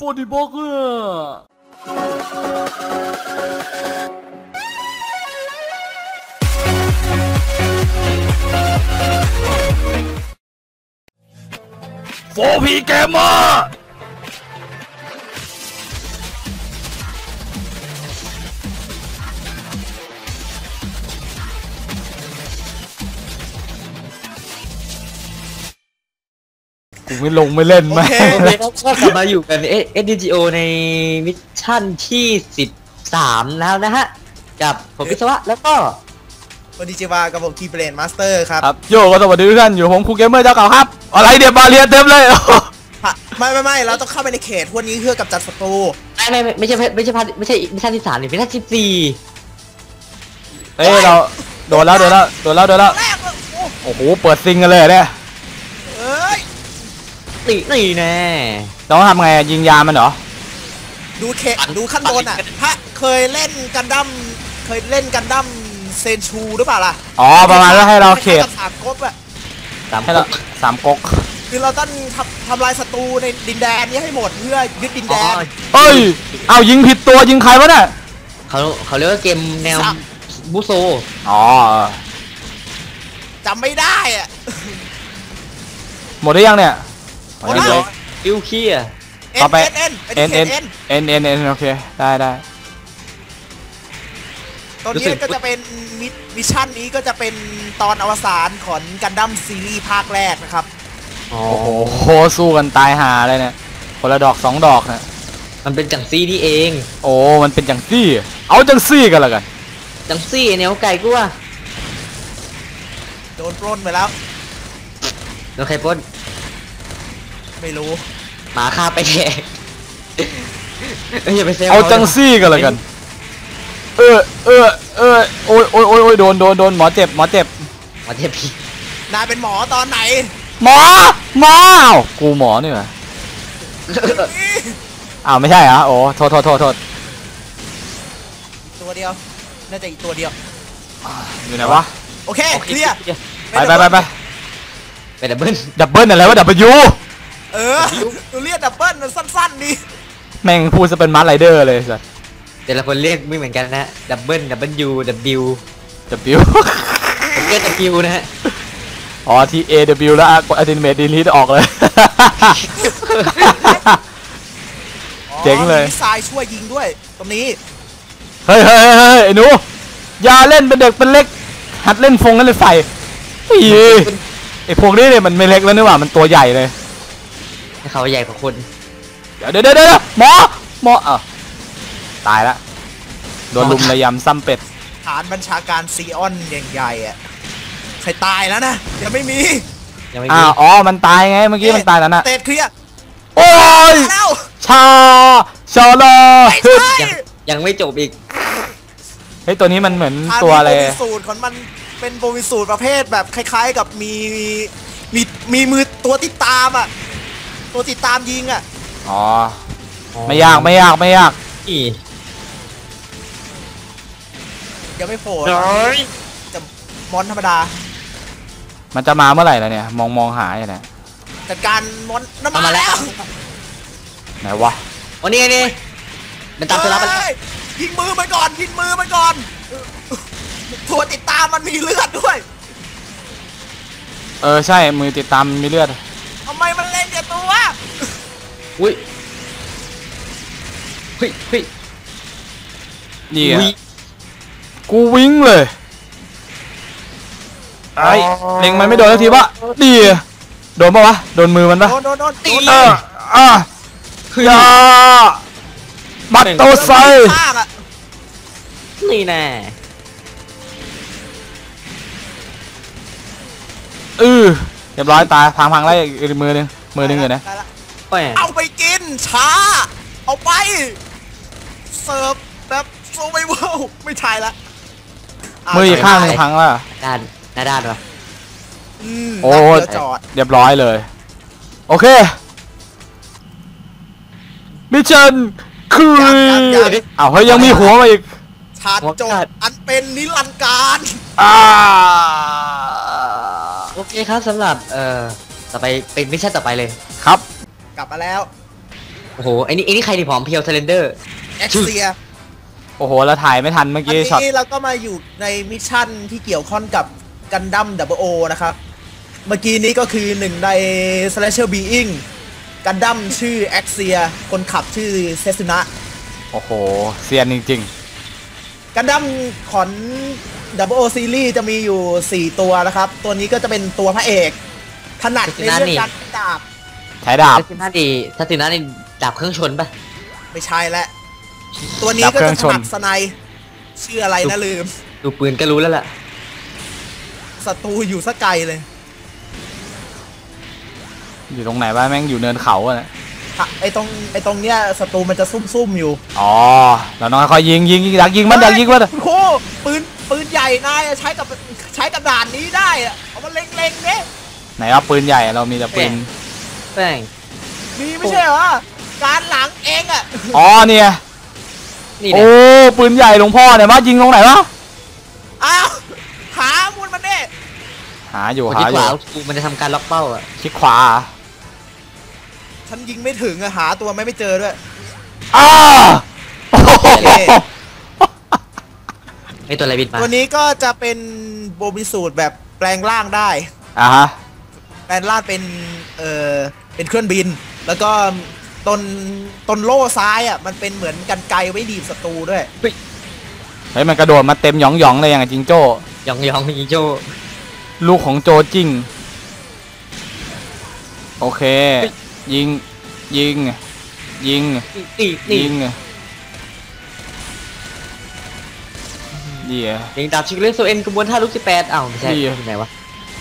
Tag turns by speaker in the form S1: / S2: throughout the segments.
S1: 40 บล็อกโฟพีเกมเมอร์กูไม่ลงไม่เล่นไหม
S2: ก็กลับมาอยู่กันSDGO ในมิชชั่นที่13แล้วนะฮะกับผมพิศวะแล้วก็
S3: คนดีเจวากับผมทีเบรนมาสเตอร์ครับ
S1: โยก็สวัสดีทุกท่านอยู่ผมครูเกมเมอร์เจ้าเก่าครับอะไรเดี๋ยวบาเรียเต็มเลย
S3: ไม่เราต้องเข้าไปในเขตพวกนี้เพื่อกำจัดศัตรู
S2: ไม่ใช่มิชชั่นที่3นี่มิชชั่นที่4
S1: เฮ้ยเราโดนแล้วโอ้โหเปิดซิงกันเลยเนี่ย
S2: นี่แน่
S1: ต้องทำไงยิงยามันเหรอ
S3: ดูขั้นบนอ่ะถ้าเคยเล่นกันดั้มเซนชูหรือเปล่าล่ะ
S1: อ๋อประมาณว่าให้เราเขต
S3: 3ก๊กอะ
S1: ให้เรา3ก๊ก
S3: คือเราต้องทำลายศัตรูในดินแดนนี้ให้หมดเพื่อยึดดินแดน
S1: เอ้ยเอายิงผิดตัวยิงใครวะเนี่ย
S2: เขาเรียกว่าเกมแนวบูโซ
S1: อ๋อ
S3: จำไม่ได้อะ
S1: หมดได้ยังเนี่ย
S3: หมดแล้ว
S2: ดิวคีอะ
S1: ต่อไปเอ็นโอเคได้
S3: ตอนนี้ก็จะเป็นมิชชั่นนี้ก็จะเป็นตอนอวสานของกันดั้มซีรีส์ภาคแรกนะครับ
S1: โอ้โหสู้กันตายหาเลยเนี่ยคนละดอก2 ดอกเนี่ย
S2: มันเป็นจังซี่นี่เอง
S1: โอ้มันเป็นจังซี่เอาจังซี่กันละกัน
S2: จังซี่แนวไก่กูว่า
S3: โดนปล้นไปแล้ว
S2: โดนใครปล้น
S3: ไม่รู้
S2: หมาฆ่าไปแทกอย่าไปเซล
S1: เอาจังซี่กันละกันโอ้ยโดนหมอเจ็บ
S2: พี่
S3: นายเป็นหมอตอนไหน
S1: หมอกูหมอนี่เหรออ้าวไม่ใช่เหรอโอ้โทษ
S3: ตัวเดียวน่าจะอีกตัวเดียว
S1: อยู่ไหนวะ
S3: โอเคเคลียร์
S1: ไป
S2: ดับเ
S1: บิ้ลอะไรวะดับเบิล
S3: ตัวเรียกดับเบิ้ลมันสั้นๆนี่
S1: แม่งพูดจะเป็นมาร์ไรเดอร์เลยสัส
S2: แต่ละคนเรียกไม่เหมือนกันนะดับเบิ้ลนะฮะ
S1: อ๋อที่ AW แล้วกด Ultimate Delete ออกเลยเจ๋งเลย
S3: มีทรายช่วยยิงด้วยตรงนี้
S1: เฮ้ยไอ้หนูอย่าเล่นเป็นเด็กเป็นเล็กหัดเล่นฟงเล่นไฟไอ้พวกนี้เนี่ยมันไม่เล็กแล้วนี่หว่ามันตัวใหญ่เลย
S2: เขาใหญ่กว่าคน
S1: เดี๋ยวหมอตายละโดนลุมระยำซ้ำเป็ด
S3: ฐานบัญชาการซีออนใหญ่ๆอ่ะใครตายแล้วนะยังไม่มี
S1: อ๋อมันตายไงเมื่อกี้มันตายแล้วนะ
S3: เตะเคลียร์
S1: โอ้ยชาลอ
S2: ยังไม่จบอีก
S1: เฮ้ยตัวนี้มันเหมือนตัวอะไร
S3: สูตรของมันเป็นโบวิสูตรประเภทแบบคล้ายๆกับมีมือตัวติดตามอ่ะตัวติดตามยิงอ่ะ
S1: อ๋อไม่ยาก
S2: อี
S3: ยังไม่โผล่จะมอนธรรมดา
S1: มันจะมาเมื่อไหร่ล่ะเนี่ยมองหาอย่างไร
S3: จัดการมอนน้ำมาแล้ว
S1: ไหนวะ
S2: วันนี้มันตามเธอรับไป
S3: ยิงมือมันก่อนตัวติดตามมันมีเลือดด้วย
S1: ใช่มือติดตามมีเลือด
S3: ทำไมมันเล่นอย่างตัว
S2: อุ้ย
S1: นี่กูวิ่งเลยไอ้เล็งมันไม่โดนสักทีวะดีโดนปะวะโดนมือมันปะ
S3: โดน
S1: อย่าบัตโตไซ
S2: นี่แน่
S1: เรียบร้อยตายพังไล่อีกมือหนึ่งอยู่นะ
S3: เอาไปกินช้าเอาไปเสิร์ฟแบบโซไวเวลไม่ใช่ละ
S1: มืออีกข้างนึงพังแล้ว
S2: ด้านวะ
S1: โอ้เรียบร้อยเลยโอเคมิชชั่นคือเอาเฮ้ยยังมีหัวมาอีก
S3: ชาร์จจบอันเป็นนิรันดร์การ
S2: โอเคครับสำหรับต่อไปเป็นมิชชั่นต่อไปเลย
S1: ครับ
S3: กลับมาแล้ว
S2: โอ้โหไอ้นี่ใครที่ผอมเพียวเซเลนเดอร์
S3: เอ็กเซีย
S1: โอ้โหเราถ่ายไม่ทันเมื่อ
S3: อัน
S1: กี้ช็อต
S3: นี้เราก็มาอยู่ในมิชชั่นที่เกี่ยวข้องกับกันดั้ม o นะครับเมื่อกี้นี้ก็คือหนึ่งใน Slasher Being กันดั้มชื่อเอ็กเซียคนขับชื่อเซซุนะ
S1: โอ้โหเซียนจริง
S3: กันดั้มของ o ซีรีส์จะมีอยู่ 4 ตัวนะครับ ตัวนี้ก็จะเป็นตัวพระเอกถนัดในเรื่องการดาบ
S1: ๆใช้ดาบ
S2: ทัศนานี่ดาบเครื่องชนปะ
S3: ไม่ใช่และตัวนี้ก็จะถนัดสไนป์ชื่ออะไรนะลืม
S2: ดูปืนก็รู้แล้วล่ะ
S3: ศัตรูอยู่สักไกลเลย
S1: อยู่ตรงไหนวะแม่งอยู่เนินเขาอะนะ
S3: ไอตรงเนี้ยศัตรูมันจะซุ่มๆอยู่
S1: อ๋อเราต้องค่อยๆยิงดักยิงมัน
S3: โอ้โหปืนใหญ่นายใช้กับด่านนี้ได้อะเอามาเล็งๆเนี่ย
S1: ไหนว่าปืนใหญ่เรามีแต่ปืน
S2: แป้ง
S3: มีไม่ใช่เหรอการหลังเองอ่ะ
S1: อ๋อเนี่ย
S2: นี่
S1: โอ้
S2: นะ
S1: ปืนใหญ่หลวงพ่อเนี่ยมายิงตรงไหนวะ
S3: อ้าวหามุนมันเนี่ย
S1: หาอยู่
S2: คน
S1: หา
S2: ที่
S1: อ
S2: ข
S1: ยู่
S2: วากูมันจะทำการล็อกเป้าอ่ะ
S1: คลิกขวา
S3: ฉันยิงไม่ถึงอะหาตัวไม่เจอด้วย
S1: อ้าโอ้โห
S2: ไอตัวอะไรบินมา
S3: ตัวนี้ก็จะเป็นโบมิสูตรแบบแปลงร่างได้
S1: อ่ะฮะ
S3: แปลงร่างเป็นเครื่องบิน แล้วก็ต้นโล่ซ้ายอ่ะมันเป็นเหมือนกันไกรไว้ดีบศัตรูด้วย
S1: เฮ้ยมันกระโดดมาเต็มหยองๆเลยอย่างกับจิงโจ้
S2: ยองยิงโจ
S1: ลูกของโจจิ้งโอเค ยิงยิง
S2: นี่
S1: ยิงเดี๋ยว
S2: ยิงดาบชิคเลสโซเอ็นกระบวนท่าลูก18อ้าวไม่ใช่
S1: นี่
S2: ที่ไหนวะ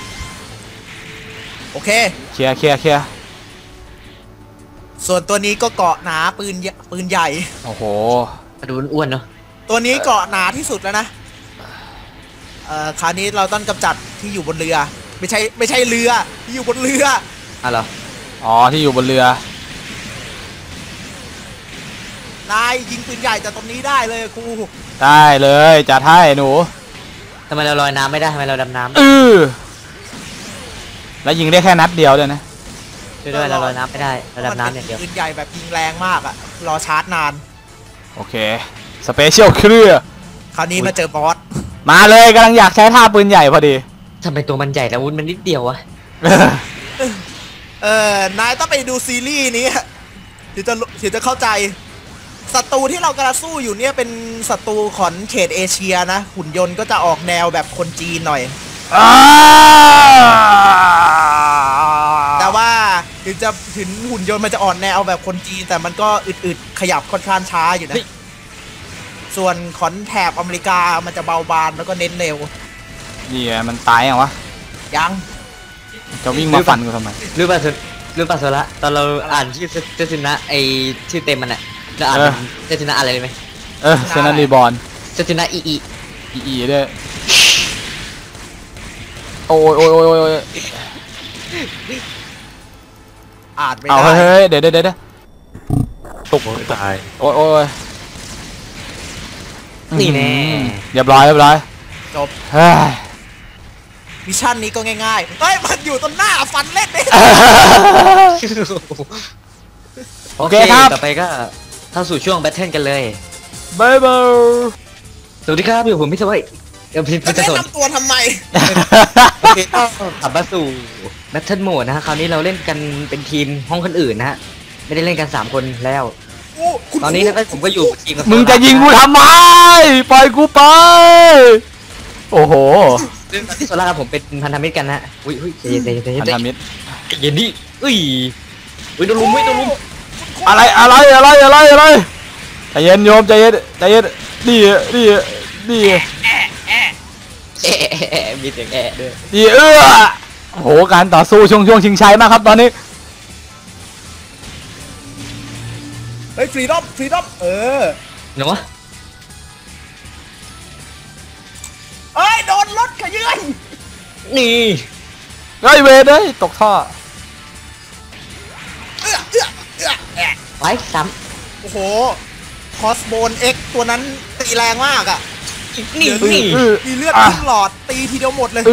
S3: โอเค
S1: เคลียร์
S3: ส่วนตัวนี้ก็เกาะหนาปืนใหญ่
S1: โอ้โห
S2: มาดูอ้วนๆเนาะ
S3: ตัวนี้เกาะหนาที่สุดแล้วนะคราวนี้เราต้องกำจัดที่อยู่บนเรือ ไม่ใช่เรือที่อยู่บนเรือ
S2: อ่ะเหรอ
S1: อ๋อที่อยู่บนเรือ
S3: นายยิงปืนใหญ่จากตรงนี้ได้เลยครู
S1: ได้เลยจัดให้หนู
S2: ทำไมเราลอยน้ำไม่ได้ทำไมเราดำน้ำ
S1: แล้วยิงได้แค่นัดเดียวเลยนะ
S2: ช่วยด้วยเราลอยน้ำไม่ได้เราดำน้ำอย่างเดียว
S3: ปืนใหญ่แบบยิงแรงมากอะรอชาร์จนาน
S1: โอเคสเปเชียลเครือ
S3: คราวนี้มาเจอบอส
S1: มาเลยกำลังอยากใช้ท่าปืนใหญ่พอดี
S2: ทำไมตัวมันใหญ่แต่วุ้นมันนิดเดียววะ
S3: นายต้องไปดูซีรีส์นี้ถึงจะเข้าใจศัตรูที่เรากำลังสู้อยู่เนี่ยเป็นศัตรูของเขตเอเชียนะ หุ่นยนต์ก็จะออกแนวแบบคนจีนหน่อย แต่ว่าถึงหุ่นยนต์มันจะอ่อนแนวแบบคนจีน แต่มันก็อึดๆขยับค่อนข้างช้าอยู่นะ ส่วนขอนแถบอเมริกามันจะเบาบางแล้วก็เน้นเร็ว
S1: นี่มันตายยังวะ
S3: ยัง
S1: จะวิ่งมาฟันกูทำไม
S2: รู้ป่ะโซละตอนเราอ่านชื่อเจสินะไอชื่อเต็มมันอะเราอ่านเป็นเจสินะอะไรเลยไหม
S1: เซนันรีบอล
S2: เจสินะอี
S1: อีด้วยโอ้ย
S3: อ่านไม่
S1: เอา
S3: ได้
S1: เฮ้ยเดี๋ยวตกตายโอ้ย
S2: นี่แน่
S1: เรียบร้อย
S3: จบ
S1: เฮ้ย
S3: มิชชั่นนี้ก็ง่ายๆเฮ้ยมันอยู่ตรงหน้าฟันเล่นเนี่ย
S2: โอเคต่อไปก็เข้าสู่ช่วงแบทเทิลกันเลย
S1: บายบาย
S2: สวัสดีครับอยู่ผมพิศวัยพิ
S3: จะ
S2: ศ
S3: แนะ
S2: สน
S3: นำตัวทำไม
S2: โอเคก็กลับมาสู่แบทเทิลโหมดนะฮะคราวนี้เราเล่นกันเป็นทีมห้องคนอื่นนะฮะไม่ได้เล่นกัน3คนแล้ว ตอนนี้นะผมก็อยู่ทีมกับ
S1: มึงจะยิงกูทำไมปล่อยกูไปโอ้โห
S2: ซึ่งที่โซล่ากับผมเป็นพันธมิตรกันนะอุ้ยใจเย็น
S1: พันธมิตร
S2: เย็นดิอุ้ยโดนลุม
S1: อะไรใจเย็นโยมใจเย็นดี
S2: มีเสียงแอะด้วย
S1: ดีโอ้โหการต่อสู้ช่วงชิงชัยมากครับตอนนี้
S3: เฮ้ยฟรีดอม
S2: เนาะ
S3: เอ้ยโดนรถขยื่น
S2: นี่
S1: เฮ้ยเวทเฮ้ยตกท่อ
S2: ไว้ซ้
S3: โอ้โหคอสโบนเอ็กตัวนั้นตีแรงมากอ่ะ
S2: ำนี่
S3: มีเลือดขึ้นหลอดตีทีเดียวหมดเลย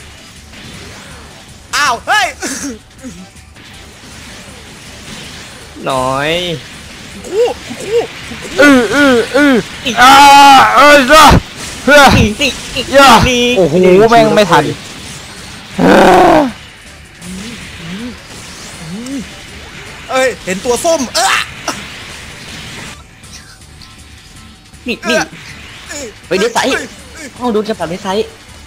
S3: อ้าวเฮ้ย
S2: น้อย
S3: กูกู
S1: อ่าเอ้ยจ้ะเฮ้ย
S2: นี่
S1: ย่าโอ้โหแม่งไม่ทัน
S3: เอ้ยเห็นตัวส้ม
S2: นี่ไปเดซไซส์ห้องดูจะปรับเดซไซส์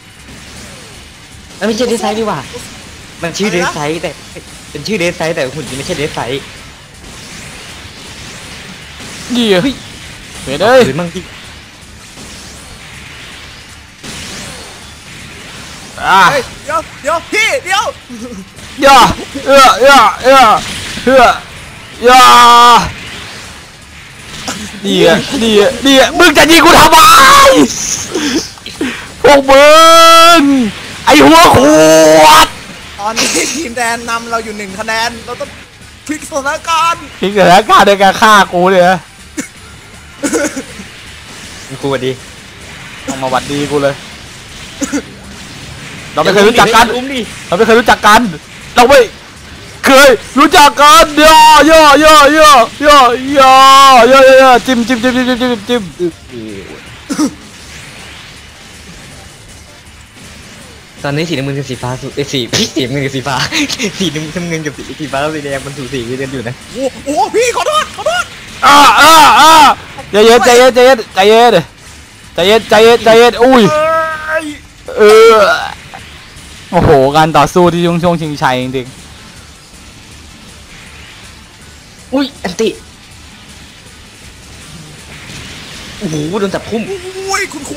S2: มันไม่ใช่เดซไซส์ดีกว่ามันชื่อเดซไซส์แต่เป็นชื่อเดซไซส์แต่หุ่นจริงไม่ใช่เดซไซส์
S1: เหี้ยเฮ้ยเด้ย
S2: หรือมั่งที่
S1: อ่า
S3: เดี๋ยวพี่เดี๋ยว
S1: ย่าย่าดีมึงจะยิงกูทำไมพวกมึงไอหัวขวด
S3: ตอนนี้ทีมแดนนำเราอยู่1 คะแนนเราต้องพลิกสถานการณ์
S1: พิกเกอร์การในการฆ่ากูเลยนะ
S2: กูดี
S1: ต้องมาหวัดดีกูเลย เราไม่เคยรู้จักกัน เราไม่เคยรู้จักกัน เราไม่เคยรู้จักกันย่อจิ้ม
S2: ตอนนี้สีน้ำเงินกับสีฟ้าสุดสีน้ำเงินกับสีฟ้าสีน้ำเงินกับสีฟ้าสีแดงมันสูสีกันอยู่นะ
S3: โอ้โหพี่ขอโทษ
S1: ใจเย็นอุ้ยโอ้โหการต่อสู้ที่ช่วงชิงชัยจริง
S2: อุ้ยอันติโอ้โหโดนจับพุ่ม
S3: อุ้ยคุณครู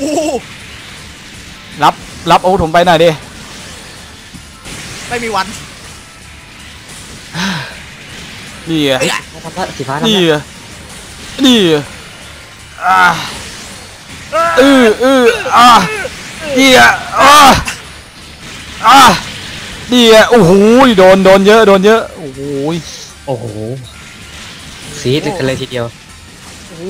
S1: รับอาวุธผมไปหน่อยดิ
S3: ไม่มีวัน
S1: นี่อ่ะ
S2: ทำละสีฟ้าทำ
S1: นี่
S2: ละ
S1: อ่ะนี่อ่ะนี่อ่ะนี่อ่ะโอ้โหโดนเยอะโอ้โห
S2: โอ้โหซีดกันเลยทีเดียว
S3: โอ้โห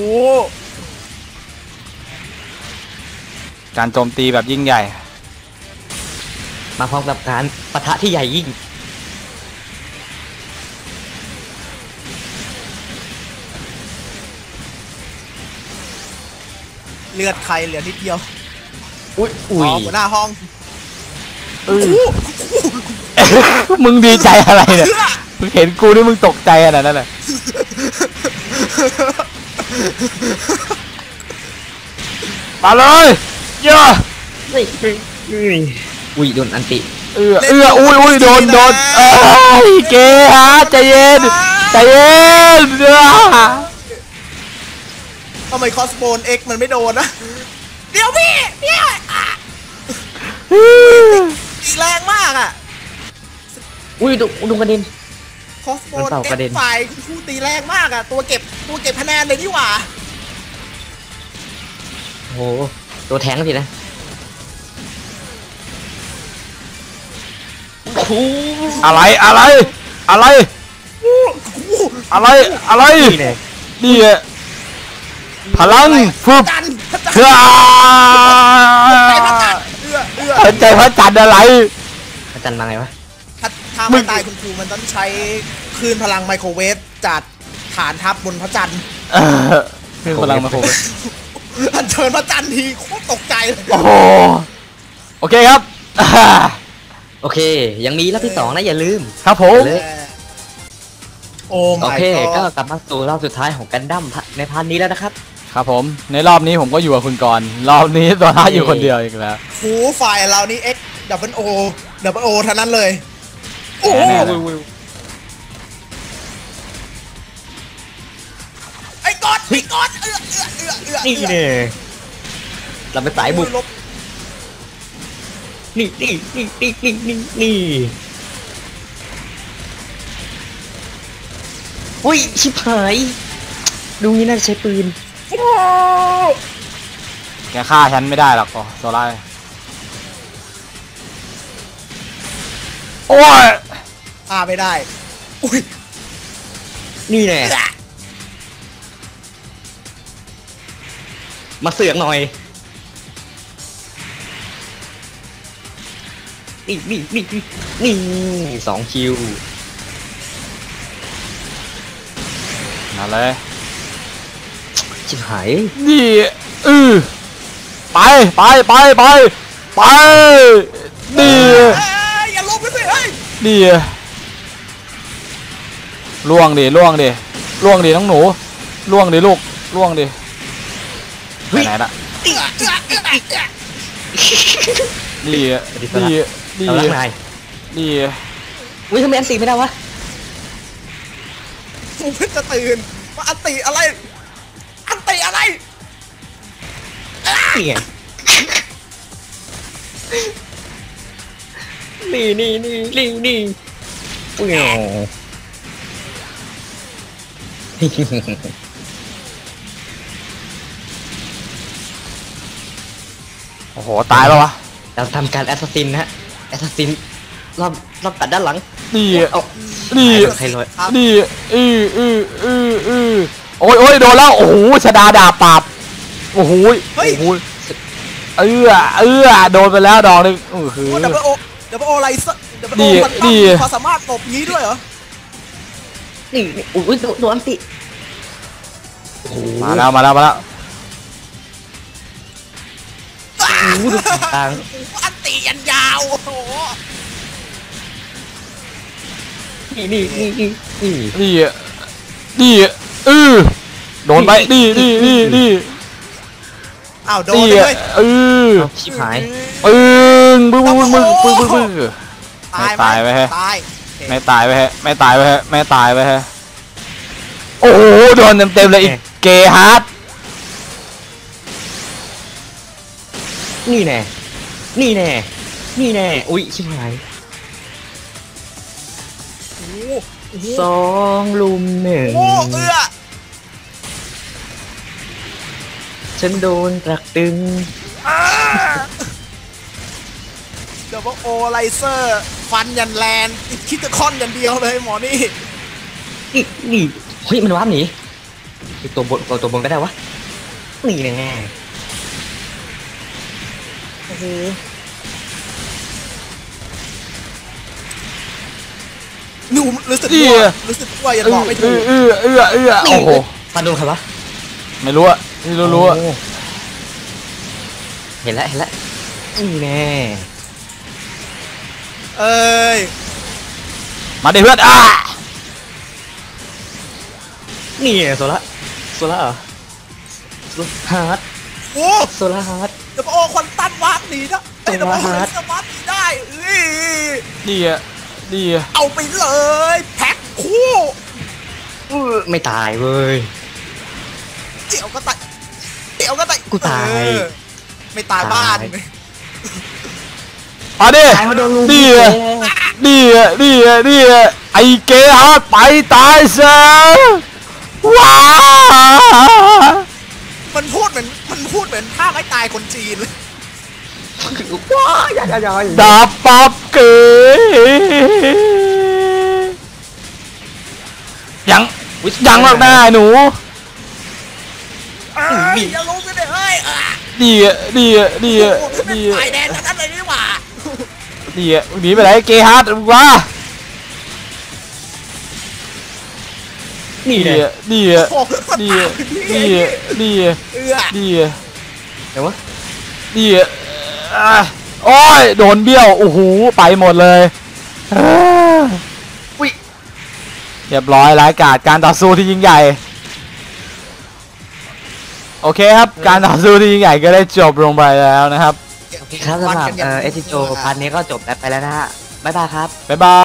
S1: การโจมตีแบบยิ่งใหญ่
S2: มาพร้อมกับการปะทะที่ใหญ่ยิ่ง
S3: เลือดใครเหลือนิดเดียว
S2: อุ้ย
S3: หัวหน้าห้อง
S1: มึงดีใจอะไรเนี่ยมึงเห็นกูนี่มึงตกใจขนาดนั้นเลยมาเลยย่า
S2: อุ้ยโดนอันติ
S1: อุ้ยโดนเกฮะใจเย็น
S3: ทำไมคอสโบน X มันไม่โดนนะเดี๋ยวพี่เนี่ยตีแรงมากอ่ะ
S2: อุ้ยดูกระเด็น
S3: คอสโบน
S2: มันเป่ากระเด็น
S3: ฝ่ายคุณครูตีแรงมากอ่ะตัวเก็บคะแนนเลยนี่หว่า
S2: โอ้โหตัวแทงสินะโอ้โห
S1: อะไรนี่พลังฟึบ
S3: จัน
S1: เฮ้ยใจพระจันทร์อะไร
S2: อาจารย์มาไงวะ
S3: ถ้าไม่ตายคุณครูมันต้องใช้คลื่นพลังไมโครเวฟจากฐานทัพบนพระจันทร์
S1: คือพลังมาโค
S3: อันเชิญพระจันทร์ทีโคตรตกใจเลย
S1: โอ้โหโอเคครับ
S2: โอเค ยังมีรอบที่2นะอย่าลืม
S1: ครับผม
S2: เลย
S3: โอ้
S2: โอ
S3: my
S2: เค ก็
S3: god
S2: กลับมาสู่รอบสุดท้ายของกันดั้มในพาร์ทนี้แล้วนะครับ
S1: ครับผมในรอบนี้ผมก็อยู่กับคุณก่อนรอบนี้ตัวท้าอยู่คนเดียวอีกแล้ว
S3: ครูฝ่ายเรานี่ X double O เท่านั้นเลย โอ้
S1: แน่เลย
S3: ไอ้ก๊อต
S2: นี่เนี่ยเราไปสายบุก
S3: ลบ
S2: นี่อุ้ยชิบหายดูนี่น่าจะใช้ปืน
S1: แกฆ่าฉันไม่ได้หรอกโซล่าโอ้ย
S3: พาไม่ได้อุ้ย
S2: นี่แน่มาเสือกหน่อยนี่2 คิว
S1: มาเลย
S2: ชิบหาย
S1: นี่ไปไปไปไปไปนี่
S3: อย่าลงไปสิเฮ้ย
S1: นี่ล่วงดิล่วงดิล่วงดิน้องหนูล่วงดิลูกล่วงดิไปไหนละนี่นี่นี่
S2: เอาลักนาย
S1: นี่
S2: อุ้ยทำไมอันตีไม่ได้วะ
S3: ผมเพิ่งจะตื่นว่าอันติอะไร อันติอะไร
S2: นี่ไงนี่นี่นี่นี่นี่อุ้ย
S1: โอ้โหตายแล้ววะ
S2: เราทำการแอสซัสซินนะฮะแอสซัสซินรอบตัดด้านหลัง
S1: นี่
S2: เอา
S1: นี่
S2: ใครลอย
S1: นี่โอ้ยโอ้ยโดนแล้วโอ้โหชดาดาบปราบโอ้โห
S3: เฮ้ย
S1: โอ้โหโดนไปแล้วดอกนึงคือ
S3: โอ้ดับเบิลโออะไรซะดับเบิล
S1: นี่
S3: โอมัน
S1: นี่
S3: มีความสามารถหลบงี้ด้วยเหรอ
S2: นี่อุ้ยโดนอันติโอ้โห
S1: มาแล้วมาแล้วมาแล้ว
S2: ดูต่าง
S3: อันติยันยาวโอ้โห
S2: นี่นี่นี่นี่นี่
S1: นี่โดนไปนี่
S3: อ้าวโดน
S1: นี่
S3: เลย
S2: ชิบหาย
S1: บึ้งบึ้งไม่ตายไปฮะ
S3: ตาย
S1: ไม่ตายไปฮะไม่ตายไปฮะไม่ตายไปฮะโอ้โหโดนเต็มเลยอีกเกฮาร์ด
S2: นี่แน่นี่แน่นี่แน่อุ้ยชิบหาย
S3: โอ้โห
S2: 2 ลุม 1
S3: โอ้อ
S2: ฉันโดนตรักตึง
S3: ดับเบิลโอไลเซอร์ฟันยันแลนคิดจะค่อนยันเดียวเลยหมอนี่
S2: นี่เฮ้ยมันว้าร์ปหนีไอ้ตัวบนก็ได้วะนี่แน่
S3: โอ้โหหนูรู้สึกว่ายังบอกไม่ถูก
S1: โอ้โห
S2: ฟันโดนใครวะ
S1: ไม่รู้อะไม่รู้อะ
S2: โอ้เห็นแล้วนี่แน่
S3: เอ้ย
S1: มาดิเพื่อน
S2: นี่ไงโซล่าเหรอฮาร์ด
S3: โอ้
S2: โซล่าฮาร์ด
S3: ดับเบิลโอควันตันวาร์ปหนีนะไอ้ดับเบิลโอไลเซอร์วาร์ปหนีได้
S1: ดีอะ
S3: เอาไปเลยแพ็คคู่
S2: ไม่ตายเว้ย
S3: เดี๋ยวก็ตาย
S2: กูตาย
S3: ไม่ตายบ้าน
S1: มาดิดีไอเกฮาร์ดไปตายซะว้า
S3: มันพูดเหมือนท่าไม่ตายคนจีนเลย
S2: ว้าอย่า
S1: ดาบปับเกยังหรอกหน้าหนู
S3: อย่าลงไปเลยเฮ้ย
S1: ดี
S3: ตายแดนนั้นเลยนี่หว่า
S1: หนีไปไหนเกฮาร์ดวะ
S2: นี่แน่
S1: ดี
S2: เดี๋ยววะ
S1: โอ้ยโดนเบี้ยวโอ้โหไปหมดเลยเรียบร้อยรายการต่อสู้ที่ยิ่งใหญ่โอเคครับการต่อสู้ที่ยิ่งใหญ่ก็ได้จบลงไปแล้วนะครับ
S2: โอเคครับสำหรับเอสจิโจพาร์ทนี้ก็จบไปแล้วนะฮะบ๊ายบายครับ
S1: บ๊ายบาย